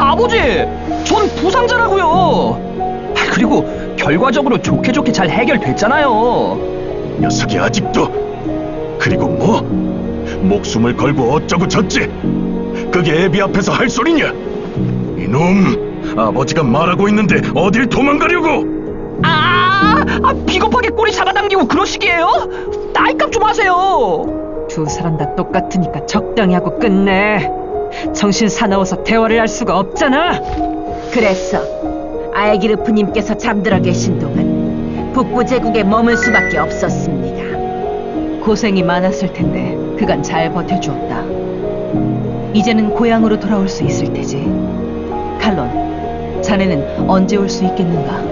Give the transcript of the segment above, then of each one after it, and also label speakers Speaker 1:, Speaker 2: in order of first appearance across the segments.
Speaker 1: 아버지, 전 부상자라고요. 그리고 결과적으로 좋게 잘 해결됐잖아요.
Speaker 2: 녀석이 아직도. 그리고 뭐? 목숨을 걸고 어쩌고 저쩌. 그게 애비 앞에서 할 소리냐? 이놈, 아버지가 말하고 있는데 어딜 도망가려고?
Speaker 1: 비겁하게 꼬리 잡아당기고 그러시기에요? 나이값 좀 하세요.
Speaker 3: 두 사람 다 똑같으니까 적당히 하고 끝내. 정신 사나워서 대화를 할 수가 없잖아.
Speaker 4: 그래서 알기르프님께서 잠들어 계신 동안 북부 제국에 머물 수밖에 없었습니다.
Speaker 3: 고생이 많았을 텐데 그간 잘 버텨주었다. 이제는 고향으로 돌아올 수 있을 테지. 칼론, 자네는 언제 올 수 있겠는가?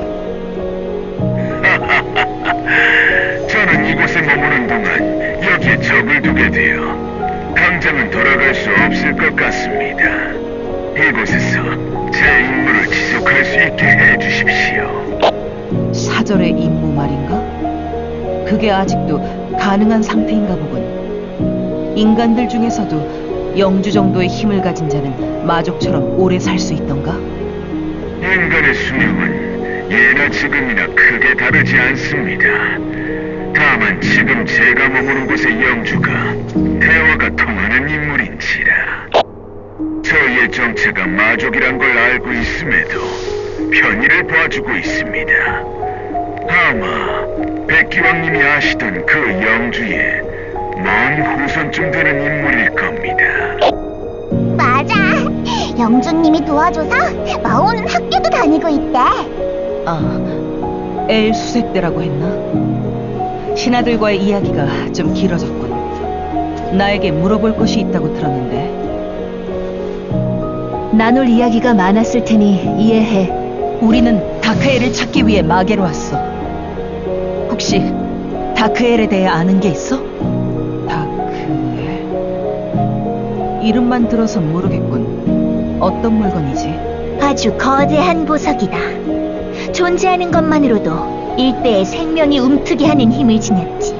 Speaker 5: 저는 이곳에 머무는 동안 여기에 적을 두게 되어 당장은 돌아갈 수 없을 것 같습니다. 이곳에서 제 임무를 지속할 수 있게 해주십시오.
Speaker 3: 사절의 임무 말인가? 그게 아직도 가능한 상태인가 보군. 인간들 중에서도 영주 정도의 힘을 가진 자는 마족처럼 오래 살 수 있던가?
Speaker 5: 인간의 수명은 예나 지금이나 크게 다르지 않습니다. 다만 지금 제가 머무는 곳의 영주가 대화가 통하는 인물인지라. 저희의 정체가 마족이란 걸 알고 있음에도 편의를 봐주고 있습니다. 아마 백기왕님이 아시던 그 영주의 먼 후손쯤 되는 인물일 겁니다.
Speaker 6: 맞아. 영주님이 도와줘서 마오는 학교도 다니고 있대.
Speaker 3: 엘 수색대라고 했나? 신하들과의 이야기가 좀 길어졌군. 나에게 물어볼 것이 있다고 들었는데.
Speaker 4: 나눌 이야기가 많았을 테니 이해해.
Speaker 3: 우리는 다크엘을 찾기 위해 마계로 왔어. 혹시 다크엘에 대해 아는 게 있어? 다크엘... 이름만 들어선 모르겠군. 어떤 물건이지?
Speaker 6: 아주 거대한 보석이다. 존재하는 것만으로도 일대의 생명이 움트게 하는 힘을 지녔지.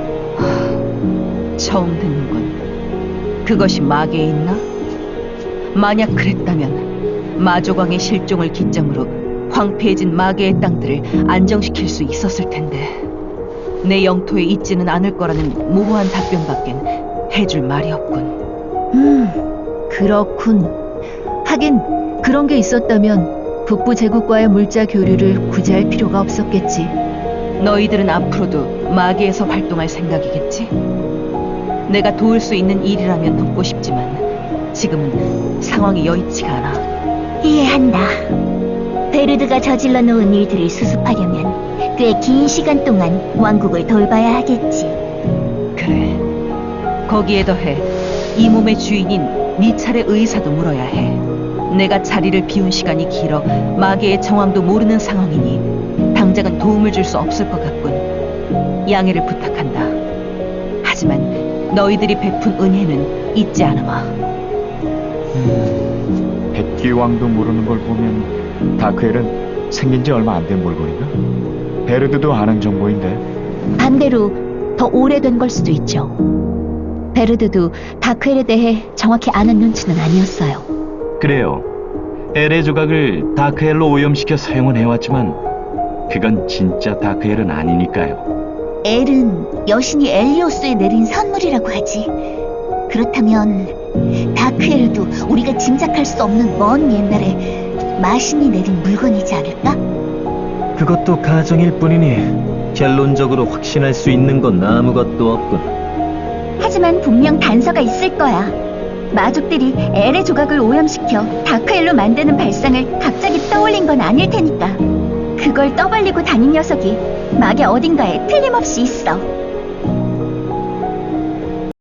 Speaker 3: 처음 듣는군. 그것이 마계에 있나? 만약 그랬다면 마조광의 실종을 기점으로 황폐해진 마계의 땅들을 안정시킬 수 있었을 텐데 내 영토에 있지는 않을 거라는 모호한 답변밖엔 해줄 말이 없군.
Speaker 4: 그렇군. 하긴 그런 게 있었다면 북부 제국과의 물자 교류를 굳이 할 필요가 없었겠지.
Speaker 3: 너희들은 앞으로도 마계에서 활동할 생각이겠지? 내가 도울 수 있는 일이라면 돕고 싶지만 지금은 상황이 여의치가 않아.
Speaker 6: 이해한다. 베르드가 저질러 놓은 일들을 수습하려면 꽤 긴 시간 동안 왕국을 돌봐야 하겠지.
Speaker 3: 그래. 거기에 더해 이 몸의 주인인 네 차례 의사도 물어야 해. 내가 자리를 비운 시간이 길어 마계의 정황도 모르는 상황이니 당장은 도움을 줄 수 없을 것 같군. 양해를 부탁한다. 하지만 너희들이 베푼 은혜는 잊지 않으마.
Speaker 7: 백기왕도 모르는 걸 보면 다크엘은 생긴 지 얼마 안 된 물건인가? 베르드도 아는 정보인데.
Speaker 6: 반대로 더 오래된 걸 수도 있죠. 베르드도 다크엘에 대해 정확히 아는 눈치는 아니었어요.
Speaker 8: 그래요. 엘의 조각을 다크엘로 오염시켜 사용은 해왔지만 그건 진짜 다크엘은 아니니까요.
Speaker 6: 엘은 여신이 엘리오스에 내린 선물이라고 하지. 그렇다면 다크엘도 우리가 짐작할 수 없는 먼 옛날에 마신이 내린 물건이지 않을까?
Speaker 9: 그것도 가정일 뿐이니 결론적으로 확신할 수 있는 건 아무것도 없군.
Speaker 6: 하지만 분명 단서가 있을 거야. 마족들이 엘의 조각을 오염시켜 다크엘로 만드는 발상을 갑자기 떠올린 건 아닐 테니까. 그걸 떠벌리고 다닌 녀석이 막의 어딘가에 틀림없이 있어.